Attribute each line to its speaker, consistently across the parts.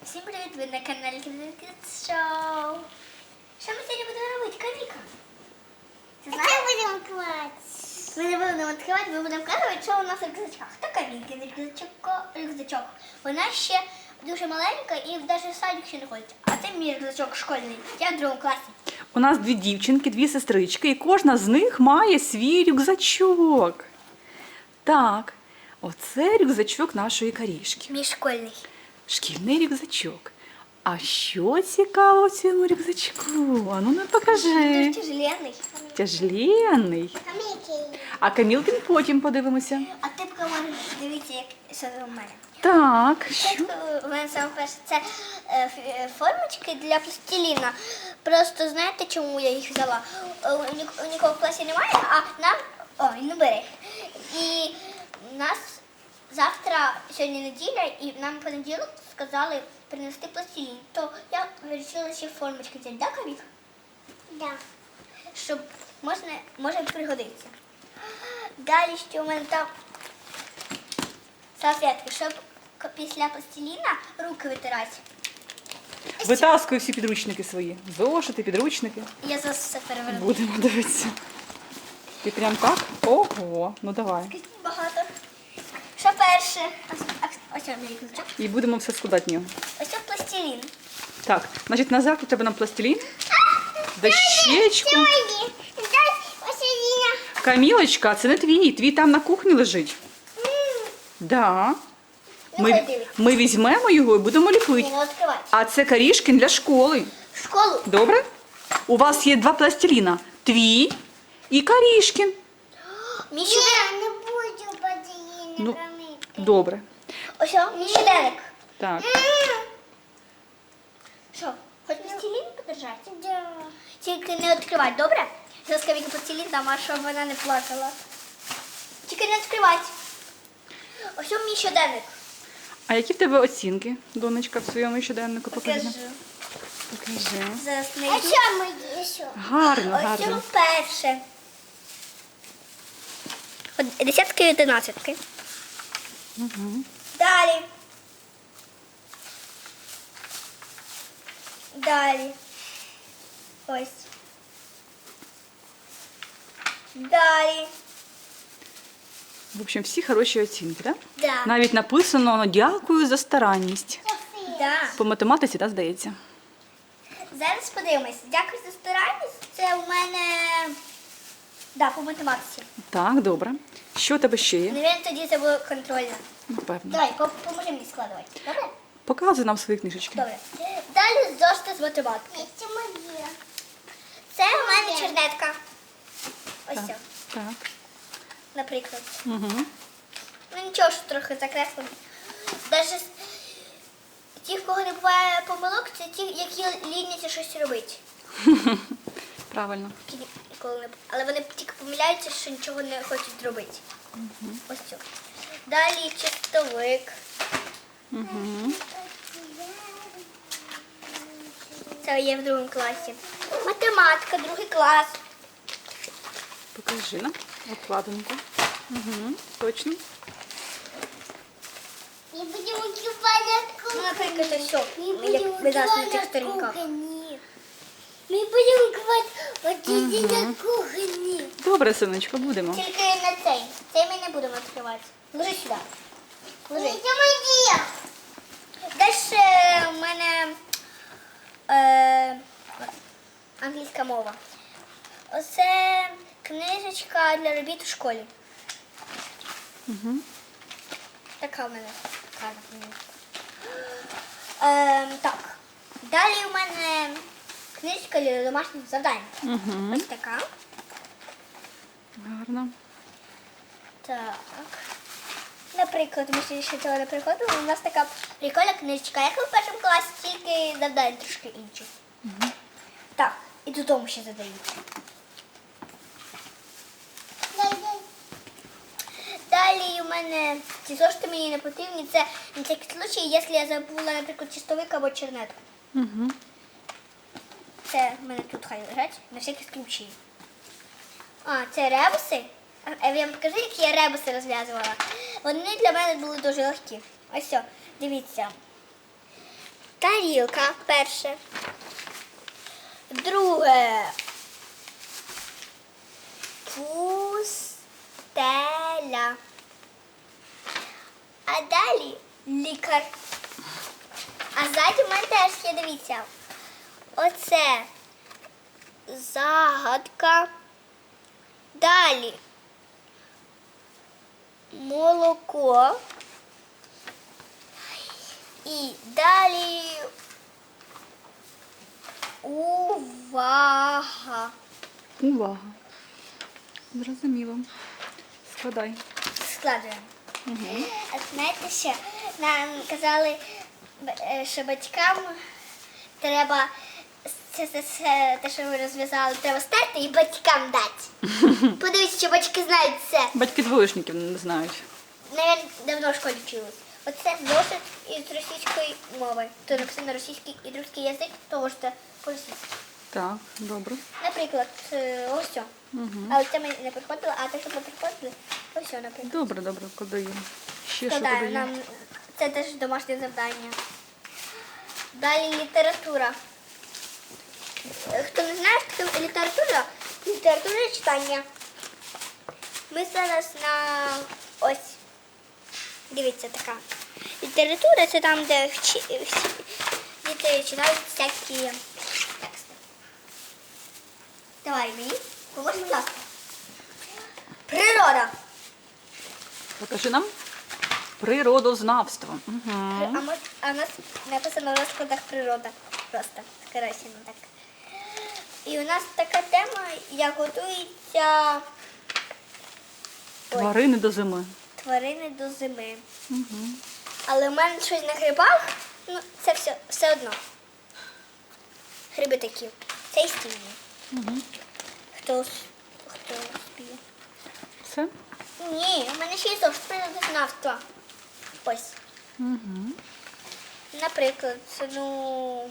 Speaker 1: Всім привіт! Ви на каналі Kids Show. Що ми сьогодні будемо робити, Каміка? Ти знаєш?
Speaker 2: Це будемо класти.
Speaker 1: Ми не будемо відкривати, ми будемо казати, що у нас в рюкзачках. Та Камікин рюкзачок. Вона ще дуже маленька і навіть в садик ще не ходить. А це мій рюкзачок школьний. Я в другому класі.
Speaker 3: У нас дві дівчинки, дві сестрички, і кожна з них має свій рюкзачок. Так, оце рюкзачок нашої Карішки.
Speaker 1: Мій школьний.
Speaker 3: Шкільний рюкзачок. А що цікаво в цьому рюкзачку? А ну не покажи.
Speaker 1: Дуже тяжеленний.
Speaker 3: Тяжеленний.
Speaker 2: Каміки.
Speaker 3: А Камілкин потім подивимося.
Speaker 1: А ти поки можеш дивитися, як що у мене.
Speaker 3: Так, що?
Speaker 1: Спочатку у мене саме перше це формочки для пластиліна. Просто знаєте, чому я їх взяла? У нікого в класі немає, а нам... Ой, не бери. І нас завтра, сьогодні неділя, і нам в понеділок сказали принести пластилін. То я вирішила ще формочки взяти, да, Камік?
Speaker 2: Да.
Speaker 1: Щоб може пригодитися. Далі що у мене там салфетки, щоб після пластиліна руки витирати.
Speaker 3: Витаскуй всі підручники свої. Зошити, підручники.
Speaker 1: Я зараз все переверну.
Speaker 3: Будемо дивитися. Ти прям так? Ого, ну давай.
Speaker 1: Багато. Що перше? Ось мій рюкзачок.
Speaker 3: І будемо все складати в нього.
Speaker 1: Ось пластилін.
Speaker 3: Так, значить на завтра треба нам пластилін, дощечку.
Speaker 2: Сьогодні. Дай Василіна.
Speaker 3: Камілочка, це не твій, твій там на кухні лежить. Да.
Speaker 1: Ну, хай дивиться.
Speaker 3: Ми візьмемо його і будемо
Speaker 1: Ні,
Speaker 3: ліпити.
Speaker 1: не відкривати.
Speaker 3: А це Карішкін для школи.
Speaker 1: В школу.
Speaker 3: Добре? У вас є два пластиліна. Твій і Карішкін.
Speaker 1: Мій щоденник.
Speaker 2: Я не буду Василіна
Speaker 3: Ну,
Speaker 2: каміки.
Speaker 3: Добре.
Speaker 1: Ось мій щоденник.
Speaker 3: Так.
Speaker 1: Що, хоч пластилін подержати?
Speaker 2: Да.
Speaker 1: Тільки не відкривати, добре? Зараз Каміка пластилін дам, а щоб вона не плакала. Тільки не відкривати. Ось мій щоденник.
Speaker 3: А які в тебе оцінки, донечка, в своєму щоденнику? Покажи.
Speaker 1: Покажу.
Speaker 3: Покажи.
Speaker 1: Зараз
Speaker 2: А
Speaker 1: знайду.
Speaker 2: що ми є що?
Speaker 3: Гарно,
Speaker 1: Ось
Speaker 3: гарно.
Speaker 1: перше. Десятки і одинадцятки.
Speaker 3: Угу.
Speaker 1: Далі. Далі. Ось. Далі.
Speaker 3: В общем, всі хороші оцінки, так?
Speaker 1: Да.
Speaker 3: Навіть написано «Ну, дякую за старанність».
Speaker 1: Да.
Speaker 3: По математиці, так, здається?
Speaker 1: Зараз подивимось. Дякую за старанність. Це у мене да, по математиці.
Speaker 3: Так, добре. Що у тебе ще є?
Speaker 1: Навіть тоді це було контрольно.
Speaker 3: Напевно.
Speaker 1: Давай, поможи мені складувати. Добре?
Speaker 3: Показуй нам свої книжечки.
Speaker 1: Добре. Далі зошити з математики.
Speaker 2: Це моє.
Speaker 1: Це у мене чернетка. Ось
Speaker 3: Так.
Speaker 1: ця,
Speaker 3: Так.
Speaker 1: наприклад.
Speaker 3: Угу.
Speaker 1: Ну нічого, що трохи закреслено. Навіть ті, в кого не буває помилок, це ті, які ліняться щось робити.
Speaker 3: Правильно.
Speaker 1: Але вони тільки помиляються, що нічого не хочуть зробити. Ось цю. Далі чистовик.
Speaker 3: Угу.
Speaker 1: Це є в другому класі. Математика, другий клас.
Speaker 3: Покажи нам обкладинку. Угу. Точно.
Speaker 2: Ми будемо купати
Speaker 1: Ну, наприклад, ось, як ви зараз на цих сторінках.
Speaker 2: Ми будемо купати Василіна на кухні.
Speaker 3: Добре, синочко, будемо.
Speaker 1: Тільки на цей. Цей ми не будемо відкривати. Ложи сюди. Ложи.
Speaker 2: Це моє.
Speaker 1: Далі у мене англійська мова. Оце книжечка для робіт у школі.
Speaker 3: Угу.
Speaker 1: Така в мене гарна книжечка. Так. Далі у мене книжечка для домашніх завдань.
Speaker 3: Угу.
Speaker 1: Ось така.
Speaker 3: Гарно.
Speaker 1: Так. Наприклад, ми ще цього не приходили, у нас така прикольна книжечка, як і в першому класі, тільки завдання трошки інші. Так, і додому ще задають. Далі у мене ці зошити мені не потрібні. Це на всякий случай, якщо я забула, наприклад, чистовик або чернетку.
Speaker 3: Угу.
Speaker 1: Це в мене тут хай лежать, на всякий случай. А, це ребуси. Я вам покажу, які я ребуси розв'язувала. Вони для мене були дуже легкі. Ось все, дивіться. тарілка перше. Друге. Пустеля. А далі лікар. А ззаді в мене теж є, дивіться. Оце загадка. Далі молоко. І далі увага.
Speaker 3: Увага. Зрозуміло. Складай.
Speaker 1: Складуємо.
Speaker 3: Угу.
Speaker 1: А знаєте ще, нам казали, що батькам треба це те, що ви розв'язали, треба стерти і батькам дати. Подивіться, що батьки знають це.
Speaker 3: Батьки двоєшників не знають.
Speaker 1: Навіть давно в школі вчились. Оце зошит із російської мови. То написано російський і русський язик, то можете по-російськи.
Speaker 3: Так, добре.
Speaker 1: Наприклад, ось це.
Speaker 3: Угу.
Speaker 1: Але це ми не приходили, а те, що ми приходили, ось це, наприклад.
Speaker 3: Добре, подаємо. Ще що
Speaker 1: Складаю,
Speaker 3: подаємо?
Speaker 1: нам це теж домашнє завдання. Далі література. Хто не знає, що таке література? Література читання. Ми зараз на ось. Дивіться, така. Література це там, де діти читають всякі тексти. Давай мені, поможи, будь ласка. Природа.
Speaker 3: Покажи нам. Природознавство. Угу.
Speaker 1: А у нас написано в розкладах природа. Просто скорочено так. І у нас така тема, як готуються
Speaker 3: Тварини до зими.
Speaker 1: тварини до зими.
Speaker 3: Угу.
Speaker 1: Але в мене щось на грибах, ну це все одно. Гриби такі. Це і стільні.
Speaker 3: Угу.
Speaker 1: Хто спіє?
Speaker 3: Все?
Speaker 1: Ні, у мене ще є зовсім природознавства. Ось.
Speaker 3: Угу.
Speaker 1: Наприклад, ну.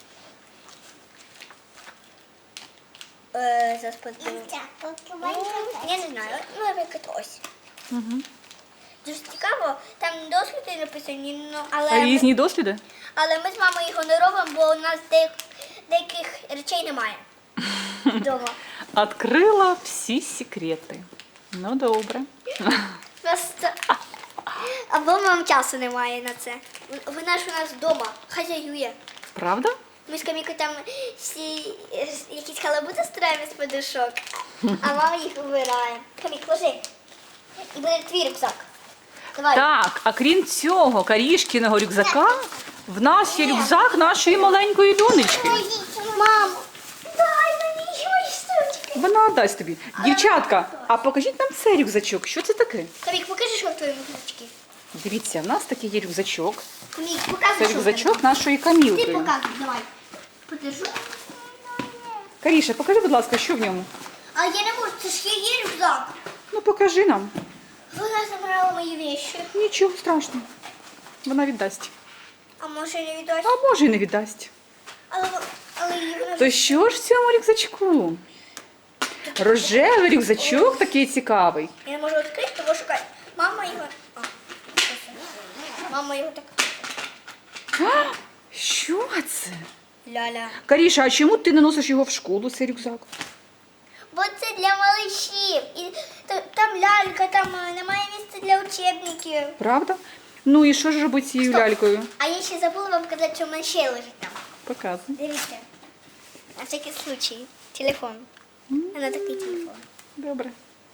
Speaker 1: Зараз подивимось. Я не знаю. Ну, наприклад, ось.
Speaker 3: Угу.
Speaker 1: Дуже цікаво, там досліди написані, ну,
Speaker 3: А різні досліди?
Speaker 1: але ми з мамою його не робимо, бо у нас деяких речей немає вдома.
Speaker 3: Открила всі секрети. Ну, добре.
Speaker 1: Просто... Або нам часу немає на це. Вона ж у нас вдома хазяює.
Speaker 3: Правда?
Speaker 1: Ми з Камікою там всі якісь халабути стираємо з подушок, а мама їх вибирає. Камік, ложи. І буде твій рюкзак. Давай.
Speaker 3: Так, а крім цього Карішкіного рюкзака, в нас є рюкзак нашої маленької донечки.
Speaker 1: Мамо, дай мені мої штучки.
Speaker 3: Вона дасть тобі. Дівчатка, а покажіть нам цей рюкзачок. Що це таке?
Speaker 1: Камік, покажи, що в твоєму рюкзачки.
Speaker 3: Дивіться, в нас такий є рюкзачок.
Speaker 1: Камік,
Speaker 3: Це
Speaker 1: показуй, що в тебе.
Speaker 3: рюкзачок нашої
Speaker 1: Ти
Speaker 3: Камілки.
Speaker 1: показуй, давай. Подержу.
Speaker 3: Каріша, покажи, будь ласка, що в ньому?
Speaker 1: А я не можу, це ж є рюкзак.
Speaker 3: Ну, покажи нам.
Speaker 1: Вона забрала мої вещи.
Speaker 3: Нічого страшного. Вона віддасть.
Speaker 1: А може не віддасть?
Speaker 3: А може і не віддасть.
Speaker 1: Але її вона
Speaker 3: То що ж в цьому рюкзачку? Рожевий рюкзачок такий цікавий.
Speaker 1: Я не можу відкрити, тому що мама його... Мама його так...
Speaker 3: А, що це?
Speaker 1: Ля-ля.
Speaker 3: Каріша, а чому ти не носиш його в школу, цей рюкзак?
Speaker 1: Бо це для малышів. І там лялька, там немає місця для учебників.
Speaker 3: Правда? Ну і що ж робити з цією
Speaker 1: Стоп.
Speaker 3: лялькою?
Speaker 1: А я ще забула вам казати, що в мене ще лежить там.
Speaker 3: Показуй.
Speaker 1: Дивіться. На всякий случай. Телефон. Вона такий телефон.
Speaker 3: Добре.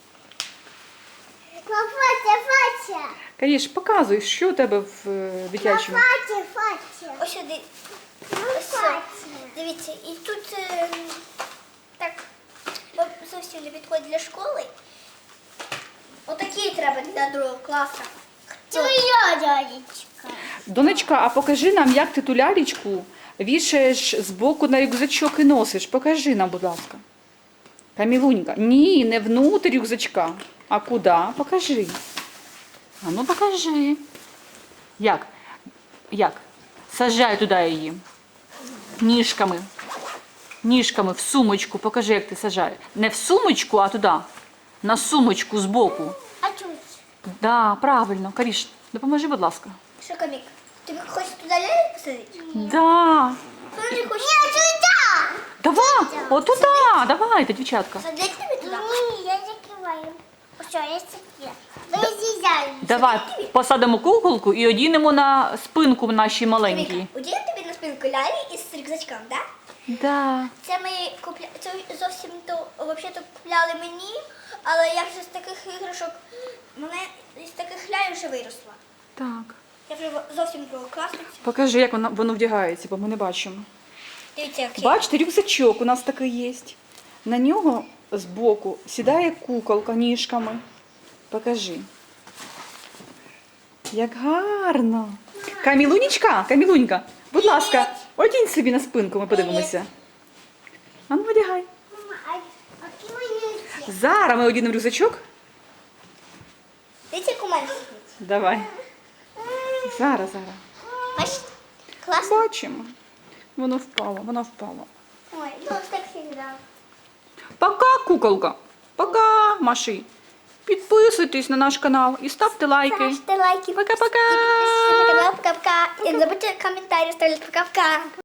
Speaker 2: Фатя.
Speaker 3: Каріш, показуй, що у тебе в дитячому.
Speaker 2: Фатя.
Speaker 1: Ось сюди. Ось сюди. Дивіться, і тут так бо зовсім не підходить для школи. Отакі треба для другого класу.
Speaker 2: Твоя дядечка.
Speaker 3: Донечка, а покажи нам, як ти ту лялечку вішаєш збоку на рюкзачок і носиш. Покажи нам, будь ласка. Камілунька. Ні, не внутрь рюкзачка. А куди? Покажи. А ну покажи. Як? Як? Саджай туди її. Ніжками. Ніжками в сумочку. Покажи, як ти саджаєш. Не в сумочку, а туди. На сумочку збоку.
Speaker 2: А тут?
Speaker 3: Да, правильно. Каріш, допоможи, будь ласка.
Speaker 1: Що, Камік? Тобі хочеш Туда ляльку посадить?
Speaker 3: Да.
Speaker 1: Смотри, хочешь
Speaker 2: Нет, сюда!
Speaker 3: Давай, от туди, давайте, дівчатка.
Speaker 1: посадить тебе туда?
Speaker 2: Ні, я закриваю. Що, я закрила. Ви з'їжджаєте.
Speaker 3: Давай посадимо куколку і одінемо на спинку нашій маленькій.
Speaker 1: Віка, оділи тобі на спинку лялі із рюкзачком, да?
Speaker 3: Да.
Speaker 1: Це ми це зовсім то взагалі-то купляли мені, але я вже з таких іграшок, мене із таких ляль вже виросла.
Speaker 3: Так.
Speaker 1: Я вже зовсім класниця.
Speaker 3: Покажи, як воно вдягається, бо ми не бачимо.
Speaker 1: Дивіться, як
Speaker 3: Бачите, рюкзачок у нас такий є. На нього збоку сідає куколка ніжками. Покажи. Як гарно. Камілунька, будь ласка, одінь собі на спинку, ми подивимося. А ну, одягай.
Speaker 2: Мама, а які мої ці?
Speaker 3: Зараз ми одінемо рюкзачок.
Speaker 1: Дивіться, як у мене сидить.
Speaker 3: Давай. Зараз.
Speaker 1: Бачите? Класно.
Speaker 3: Бачимо. Воно впало.
Speaker 1: Ой, ну ось так завжди.
Speaker 3: Пока, куколка. Пока, Маші. Підписуйтесь на наш канал і ставте лайки.
Speaker 1: Ставте лайки.
Speaker 3: Пока-пока.
Speaker 1: Підписуйтесь на канал. Пока-пока. І не забудьте коментарі ставити. Пока-пока.